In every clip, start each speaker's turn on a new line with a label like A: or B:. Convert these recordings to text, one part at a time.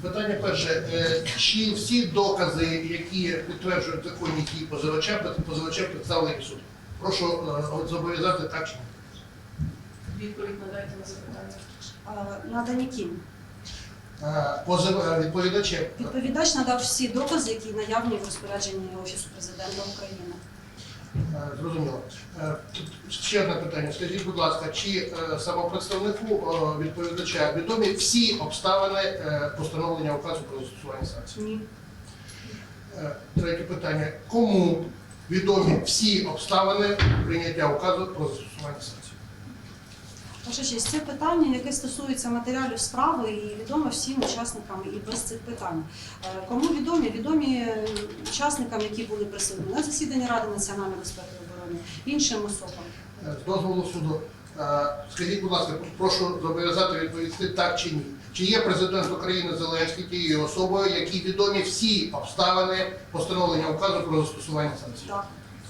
A: Питання перше. Чи всі докази, які підтверджують законні дії позивача представлені в суд? Прошу зобов'язати так чи ні?
B: Відповідь надайте на запитання.
C: Надані ким?
A: Відповідачем.
C: Відповідач надав всі докази, які наявні в розпорядженні Офісу Президента України.
A: Зрозуміло. Ще одне питання. Скажіть, будь ласка, чи самопредставнику відповідача відомі всі обставини постановлення указу про застосування санкцій?
C: Ні.
A: Третє питання. Кому відомі всі обставини прийняття указу про застосування санкцій?
C: Ваша честь, це питання, яке стосується матеріалів справи і відомо всім учасникам і без цих питань. Кому відомі? Відомі учасникам, які були присутні на засіданні Ради національної безпеки і оборони, іншим особам.
A: З дозволу суду, скажіть, будь ласка, прошу зобов'язати відповісти так чи ні. Чи є президент України Зеленський тією особою, якій відомі всі обставини постановлення указу про застосування санкцій?
C: Так.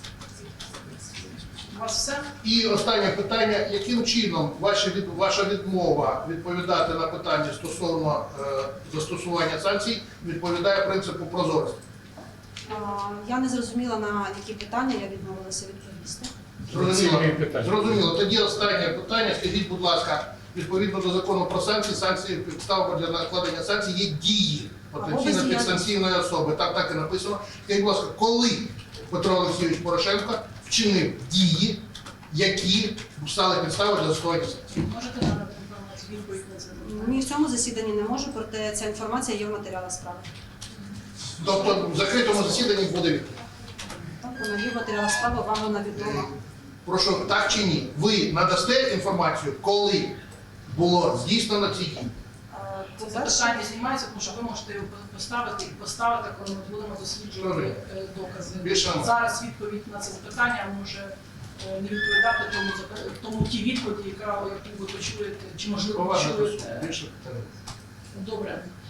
B: У вас все?
A: І останнє питання. Яким чином ваша відмова відповідати на питання стосовно застосування санкцій відповідає принципу прозорості?
C: Я не зрозуміла, на які питання я відмовилася відповісти.
A: Зрозуміло. Тоді останнє питання. Скажіть, будь ласка, відповідно до закону про санкції, підставою для накладення санкцій є дії потенційно підсанкційної особи. Так і написано. Скажіть, будь ласка, коли Петро Олексійович Порошенко вчинив дії, які стали підставою для застосування санкцій?
B: Можете надати інформацію, відповідь на це запитання?
C: Ні, в цьому засіданні не можу, проте ця інформація є в матеріалах справи.
A: Тобто в закритому засіданні буде відповідь?
C: Так, вона є в матеріалах справи, вам вона відома.
A: Прошу, так чи ні? Ви надасте інформацію, коли було здійснено ці дії?
B: Це питання знімається, тому що ви можете його поставити, коли ми будемо досліджувати докази.
A: Більше немає.
B: Зараз відповідь на це запитання може не відповідати тому тій відповіді, яку ви почуєте, чи можливо
A: Поважно до суду.
B: почуєте.
A: Більше питань.
B: Добре.